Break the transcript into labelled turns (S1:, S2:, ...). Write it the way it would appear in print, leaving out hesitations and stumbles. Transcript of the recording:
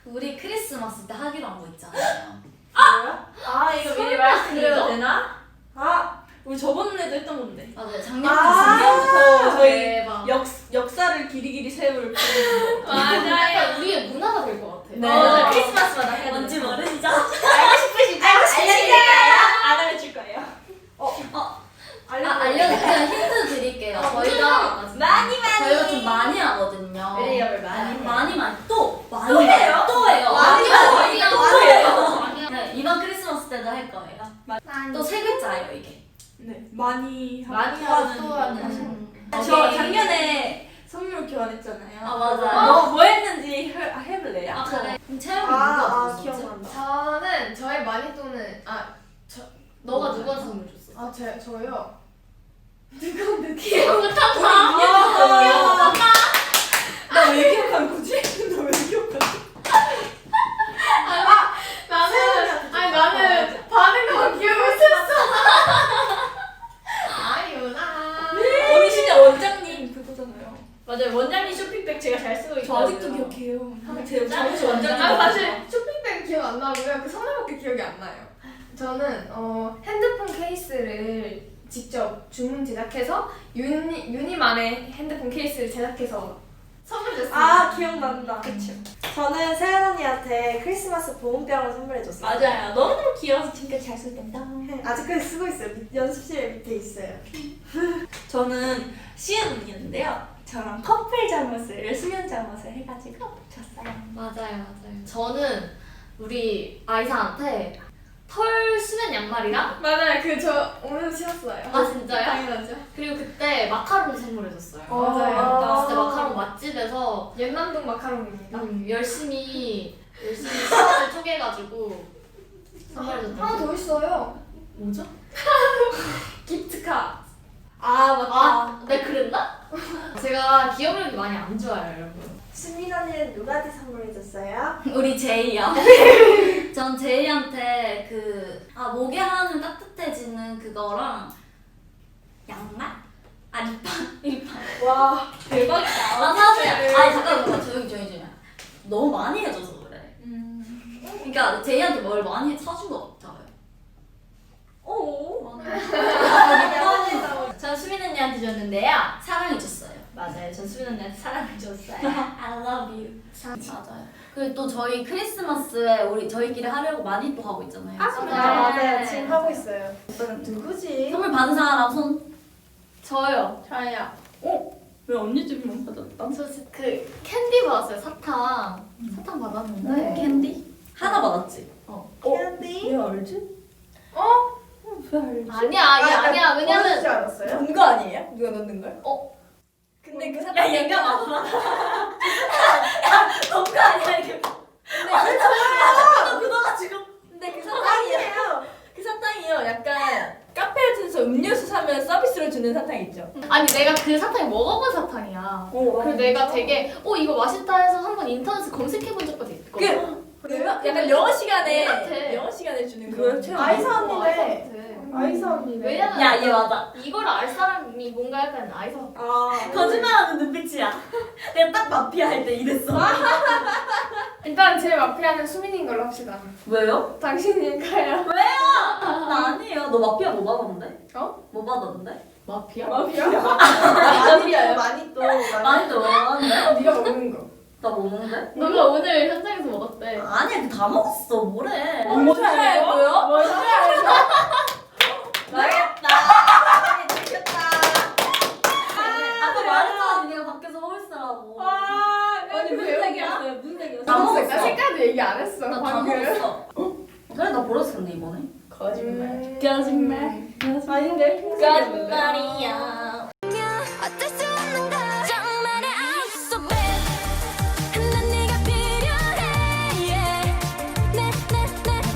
S1: 우리 크리스마스 때 하기로 한 거 있잖아요.
S2: 이거 미리 말씀드려도 되나? 우리 저번에도 했던 건데.
S1: 맞아요. 작년부터
S2: 저희
S1: 대박.
S2: 역사를 길이길이 세울
S3: 맞아요. 우리의 문화가 될 것 같아.
S2: 네.
S1: 맞아요.
S2: 크리스마스마다 해야
S1: 뭔지
S2: 되는 거.
S1: 모르시죠?
S2: 알고 싶으시죠? 알려드릴까요? 안 알려줄 거예요.
S1: 그냥 힌트 드릴게요. 저희가
S2: 많이
S1: 좀 많이 하거든요.
S2: 레이업을 많이
S1: 또
S2: 또 해요?
S1: 또 해요.
S2: 많이
S1: 또
S2: 해요.
S1: 네, 이번 크리스마스 때도 할 거예요. 또 세 글자예요 이게.
S2: 네, 많이
S3: 많이
S2: 하고
S3: 하고 또 하는.
S2: 저 작년에 선물 교환했잖아요.
S1: 아 맞아요.
S2: 뭐 했는지 해볼래요?
S1: 아 그래. 그럼 채영이 누가 줬었지?
S4: 기억난다.
S3: 저는 저의 마니또는 너가 누구한테 선물 줬어?
S4: 저요.
S3: 기억부터
S2: 나 왜 기억한 거지? 나 왜 기억하지?
S3: 나는 받은 거 기억을 했어. 아유나.
S2: 언니 진짜 원장님 그거잖아요.
S3: 맞아요. 원장님 쇼핑백 제가 잘 쓰고
S2: 저
S3: 있거든요.
S2: 아직도 기억해요. 제
S1: 짠.
S2: 혹시 원장님
S3: 사실 쇼핑백 기억 안 나고요. 그 선물밖에 기억이 안 나요. 저는 핸드폰 케이스를 직접 주문 제작해서 유니만의 핸드폰 케이스를 제작해서 선물 줬어요.
S4: 기억난다. 그쵸. 저는 세연 언니한테 크리스마스 보온병을 선물해줬어요.
S2: 맞아요. 너무너무 귀여워서 지금까지 잘 쓰고 있다.
S4: 아직까지 쓰고 있어요. 연습실 밑에 있어요.
S2: 저는 시은 언니였는데요. 저랑 커플 잠옷을 수면 잠옷을 해가지고 줬어요.
S1: 맞아요. 저는 우리 아이사한테 털 수면 양말이랑
S3: 맞아요. 저 오늘 신었어요.
S1: 아 진짜요?
S3: 당연하죠.
S1: 그리고 그때 마카롱 선물해줬어요.
S3: 맞아요.
S1: 진짜 마카롱 맛집에서
S3: 연남동 마카롱입니다.
S1: 열심히 시간을 쪼개가지고 선물해줬던
S3: 하나 더 있어요.
S1: 뭐죠?
S3: 기프트카.
S1: 네 그랬나? 제가 기억력이 많이 안 좋아요 여러분.
S4: 수민 언니는 누구한테 선물해줬어요?
S1: 우리 제이요. 전 제이한테 목에 하는 따뜻해지는 그거랑 양말? 립밤.
S2: 와 대박이다.
S1: 사실 잠깐만 조용히. 너무 많이 해줘서 그래. 그러니까 제이한테 뭘 많이 사준 것 같아요. 전 수민 언니한테 줬는데요. 사랑해줬어요.
S2: 맞아요. 전 수민 언니한테 사랑을 줬어요.
S1: I love you. 맞아요. 그리고 또 저희 크리스마스에 저희끼리 하려고 많이 또 하고 있잖아요.
S4: 맞아요. 지금 하고 있어요. 누구지?
S1: 선물 받은 사람 손.
S3: 저요.
S2: 왜 언니 집만 받았다?
S1: 저 캔디 받았어요. 사탕 받았는데. 캔디? 하나 받았지.
S4: 캔디?
S2: 왜 알지? 왜 알지?
S1: 아니야. 왜냐면
S4: 줄 알았어요?
S2: 넣은 거 아니에요? 누가 넣는 걸? 근데 그 사람
S1: 얘가 맞아. 너무 아니야 이게. 근데 굳어가지고.
S2: 근데 그 사탕이에요. 그 사탕이요. 약간 카페 같은 데서 음료수 사면 서비스로 주는 사탕 있죠.
S1: 아니 내가 그 사탕이 먹어본 사탕이야. 그리고 내가 되게 이거 맛있다 해서 한번 인터넷에 검색해본 적도 있거든.
S2: 약간 영어 시간에
S1: 같아.
S2: 영어 시간에 주는 거.
S4: 아이사 언니네.
S1: 같아.
S4: 아이사 언니네.
S1: 왜냐면
S2: 야, 얘 맞아.
S1: 이걸 알 사람이 뭔가 약간 아이사.
S2: 거짓말하는 눈빛이야. 내가 딱 마피아 할 때 이랬어.
S3: 일단 제 마피아는 수민인 걸로 합시다.
S2: 왜요?
S3: 당신일까요?
S1: 나 아니에요. 너 마피아 뭐 받았는데? 뭐 받았는데? 마피아?
S2: 마피아요.
S4: 많이 또
S1: 많이 들어왔는데?
S3: 네가 먹는 거.
S1: 나 뭐 먹는데?
S3: 너가 오늘 현장에서 먹었대.
S1: 아니야, 다 먹었어. 뭐래?
S2: 뭔지 알고요? 뭔지 알고?
S1: 망했다. 아까 말했잖아, 네가 밖에서 홀스라고.
S2: 아니 무슨 색이었어요? 무슨 색이었어요?
S1: 다 먹었어.
S3: 나 색깔도 얘기 안 했어.
S1: 나 다
S3: 방금.
S1: 먹었어. 그래, 나 버렸었는데 이번에.
S2: 거짓말.
S3: 거짓말.
S2: 아닌데?
S1: 거짓말이야.